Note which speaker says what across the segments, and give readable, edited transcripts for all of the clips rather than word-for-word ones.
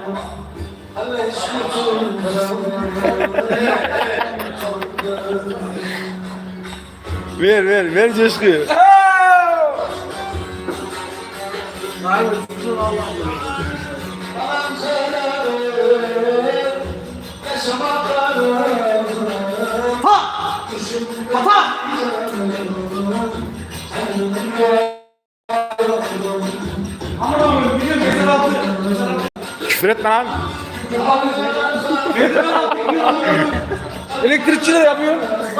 Speaker 1: Ver coşkuyu. Küfür etme lan.
Speaker 2: Elektrikçi de yapıyor.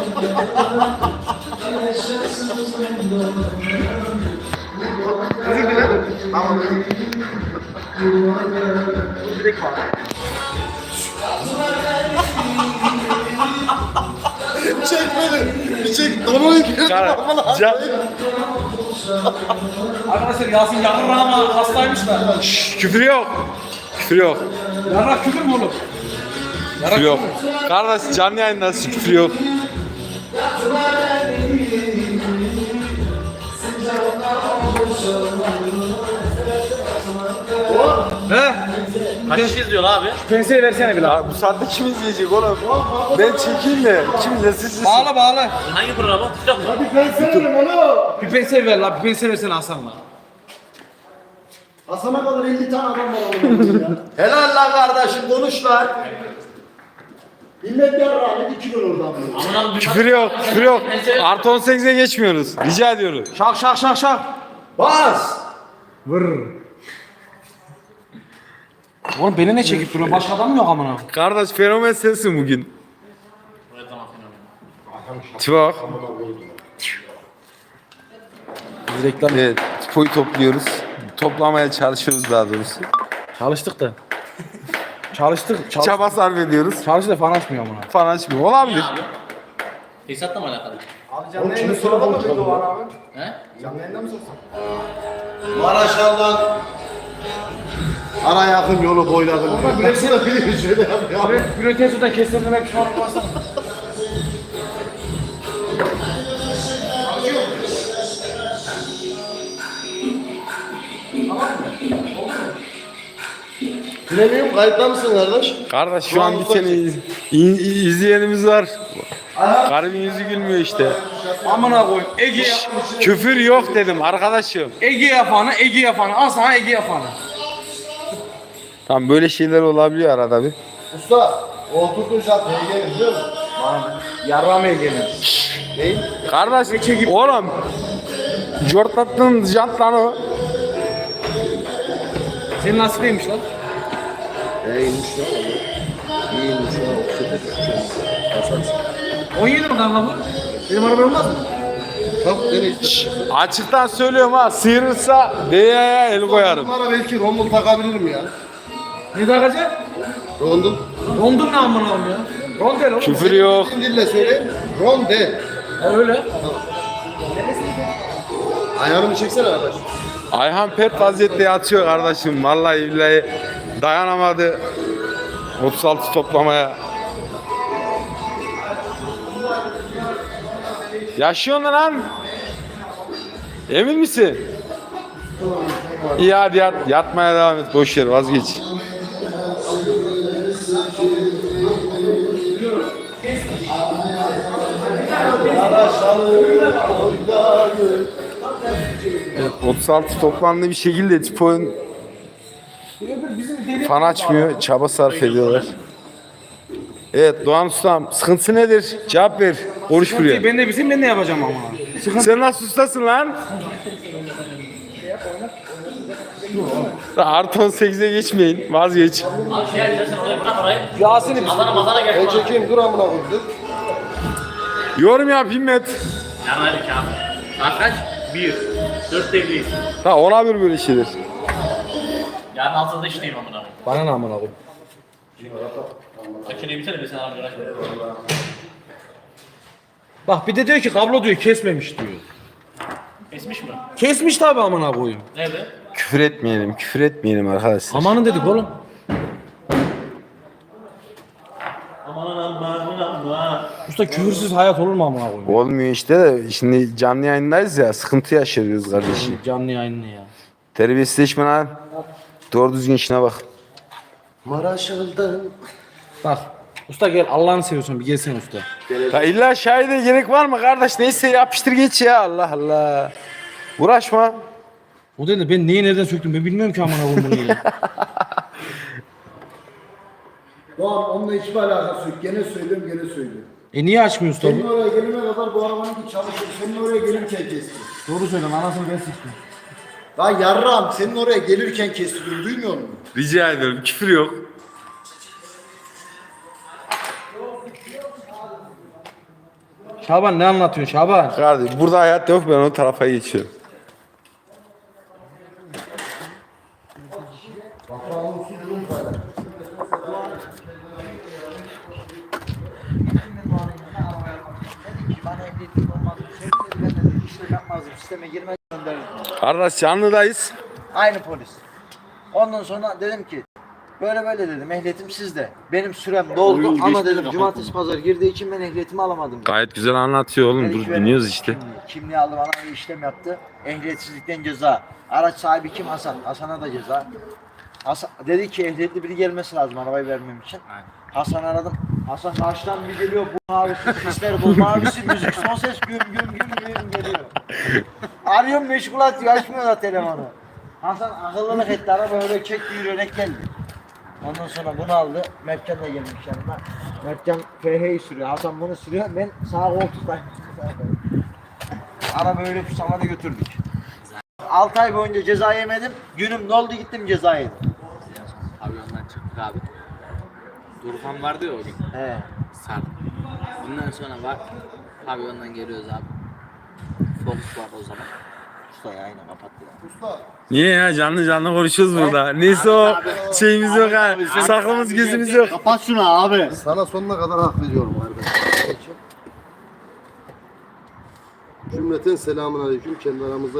Speaker 3: Çek beni. Çek. Donuyu
Speaker 2: Arkadaşlar Yasin yakın ama hastaymış da.
Speaker 1: Küfür yok. Küfür yok.
Speaker 2: Yarrak küfür mü oğlum?
Speaker 1: Küfür yok. Kardeş canlı yayındasın, küfür yok.
Speaker 2: He?
Speaker 4: Kaç kişi izliyor abi?
Speaker 2: Penseyi versene bir lan.
Speaker 1: Ya bu saatte kim izleyecek oğlum? Ben çekeyim de kim izlesin?
Speaker 2: Bağla.
Speaker 4: Hangi programı? TikTok mu?
Speaker 2: Bir penseyi ver lan. Bir penseyi versene Hasan'la.
Speaker 3: Hasan'a kadar 50 tane adam var oğlum ya. Helal lan kardeşim konuş lan. Millet ya rahmet 2 gün oradan böyle.
Speaker 4: Aman abi.
Speaker 1: Küfür yok, küfür yok. Artı 18'e geçmiyoruz. Rica ediyorum.
Speaker 2: Şak.
Speaker 3: Bas.
Speaker 2: Vır. Oğlum beni ne çekip duruyor? Başka adam mı yok amına?
Speaker 1: Kardeş fenomen sensin bugün.
Speaker 4: Evet, tamam, fenomen.
Speaker 1: Tibak.
Speaker 2: Biz reklam
Speaker 1: Evet, tipoyu topluyoruz. Toplamaya çalışıyoruz daha doğrusu.
Speaker 2: çalıştık da. Çalıştık.
Speaker 1: Çaba sarf ediyoruz.
Speaker 2: Çalıştık da falan açmıyor amına.
Speaker 1: Falan açmıyor. Olabilir.
Speaker 4: Tesisatla mı alakalı?
Speaker 3: Oğlum kimi soralım mı abi?
Speaker 4: He?
Speaker 3: Maraş'tan ara yakın yolu boyladım. Burası da biliyor şöyle yapıyor.
Speaker 2: Bülent Su'dan kestirmek şu an basana.
Speaker 3: Bilemiyorum kayıtta mısın kardeş?
Speaker 1: Kardeş şu an bir tane izleyenimiz var. Garibin yüzü gülmüyor işte.
Speaker 2: Amına koyayım. Ege yapmış.
Speaker 1: Küfür yok dedim arkadaşım.
Speaker 2: Ege yapanı. Al sana Ege yapanı.
Speaker 1: Tamam böyle şeyler olabiliyor arada bir.
Speaker 3: Usta oturdun şart neye biliyor musun?
Speaker 2: Yarrağım Ege'nin.
Speaker 1: Kardeş oğlum. Jortlattın jant lan o.
Speaker 2: Senin nasıl neymiş lan?
Speaker 3: İyiymiş ya. İyiymiş ya.
Speaker 2: 17 mi lan bu? Benim araba olmaz mı?
Speaker 3: Bak nereye işte.
Speaker 1: Açıktan söylüyorum ha, sıyırırsa DYA'ya el koyarım.
Speaker 3: Bunlara belki rondul takabilirim ya.
Speaker 2: Ne takacaksın?
Speaker 3: Rondul.
Speaker 2: Rondun ne amına koyayım ya? Rondel oğlum.
Speaker 1: Küfür yok.
Speaker 3: Bizim dille söyle. Ronde.
Speaker 2: Öyle.
Speaker 3: Ayağını çeksene arkadaş.
Speaker 1: Ayhan pet vaziyette yatıyor kardeşim. Vallahi billahi dayanamadı 36 toplamaya. Yaşıyorsun lan. Emin misin? İyi hadi yat. Yatmaya devam et. Boş ver, vazgeç. Evet, 36 toplamda bir şekilde Tipo'nun fan açmıyor. Çaba sarf ediyorlar. Evet Doğan Ustam, sıkıntı nedir? Cevap ver. Konuş buraya.
Speaker 2: Ben de bilsem ben ne yapacağım ama.
Speaker 1: Sen nasıl ustasın lan? Artı 18'e geçmeyin. Vazgeç.
Speaker 4: Abi şey yapacağız, sen oraya bırak orayı.
Speaker 2: Yasin'i bir
Speaker 4: Mazana gel.
Speaker 3: Ben çekeyim dur amına koyduk.
Speaker 1: Yorum yap Himmet.
Speaker 4: Yani hadi kağıt. Saat kaç? 1. 4'te evliyiz.
Speaker 1: Ha ona bir böyle şeyler.
Speaker 4: Yarın 6'da işteyim amına.
Speaker 2: Bana ne amına koyayım?
Speaker 4: Makineyi biter mi sen abi uğraşma.
Speaker 2: Bak bir de diyor ki kablo diyor kesmemiş diyor.
Speaker 4: Kesmiş mi?
Speaker 2: Kesmiş tabi amına koyayım.
Speaker 4: Nerede?
Speaker 1: Küfür etmeyelim arkadaşlar.
Speaker 2: Amanın dedik oğlum.
Speaker 4: Aman aman.
Speaker 2: Usta küfürsüz hayat olur mu amına koyayım?
Speaker 1: Olmuyor işte de şimdi canlı yayındayız ya, sıkıntı yaşıyoruz kardeşim.
Speaker 2: Canlı yayınlı ya.
Speaker 1: Terbiyesizleşme lan. Doğru düzgün işine bak.
Speaker 3: Maraşıl'dan.
Speaker 2: Bak. Usta gel Allah'ını seviyorsun bir gelsene usta.
Speaker 1: Ya illa şahide gerek var mı kardeş? Neyse yapıştır geç ya, Allah Allah. Uğraşma.
Speaker 2: O dedi ben neyi nereden söktüm ben bilmiyorum ki amına koyayım bunu ya.
Speaker 3: Doğan onunla hiçbir alakası yok. Gene söylüyorum gene söylüyorum.
Speaker 2: Niye açmıyor usta
Speaker 3: Senin
Speaker 2: bu?
Speaker 3: oraya gelene kadar bu arabanın ki çalışır. Senin oraya gelirken kesti.
Speaker 2: Doğru söylüyorum anasını ben sıçtım.
Speaker 3: Lan yarrağım senin oraya gelirken kestiriyorum. Duymuyor musun?
Speaker 1: Rica ederim, küfür yok.
Speaker 2: Şaban ne anlatıyorsun Şaban?
Speaker 1: Kardeş burada hayat yok, ben o tarafa geçiyorum.
Speaker 3: Bana ehliyetim olmaz. Ben de işlem yapmazdım. Sisteme girmez gönderirdim.
Speaker 1: Kardeş canlıdayız.
Speaker 3: Aynı polis. Ondan sonra dedim ki böyle böyle dedim ehliyetim sizde. Benim sürem doldu ama dedim cumartesi pazar girdiği için ben ehliyetimi alamadım.
Speaker 1: Gayet güzel anlatıyor oğlum,
Speaker 3: Dedi
Speaker 1: dur
Speaker 3: ki benim
Speaker 1: dinliyoruz işte.
Speaker 3: Kimliği aldı bana bir işlem yaptı. Ehliyetsizlikten ceza. Araç sahibi kim? Hasan. Hasan'a da ceza. Hasan, dedi ki ehliyetli biri gelmesi lazım arabayı vermem için. Hasan aradım. Hasan karşıdan bir geliyor bu mavisi sesler bu mavisi müzik son ses güm güm güm güm geliyor. Arıyorum meşgul atıyor açmıyor da telefonu. Hasan akıllılık etti araba öyle çekti yürüyerek geldi. Ondan sonra bunu aldı. Mertcan da gelmiş yanına. Mertcan FH'yi sürüyor. Hasan bunu sürüyor. Ben sağ koltuktayım. Araba öyle pusamadı götürdük. 6 ay boyunca ceza yemedim. Günüm doldu gittim ceza yedim.
Speaker 4: Pavyondan çıktık abi. Durhan vardı ya o gün.
Speaker 3: He.
Speaker 4: Sarp. Bundan sonra var. Pavyondan geliyoruz abi. Fokus var o zaman.
Speaker 3: Usta ya aynen kapattı ya.
Speaker 1: Niye ya, canlı canlı konuşuyoruz burada. Neyse o şeyimiz yok ha. Saklımız gözümüz yok.
Speaker 3: Kapat şunu abi.
Speaker 5: Sana sonuna kadar hak veriyorum kardeşim. Cümleten selamun aleyküm. Kendi aramızda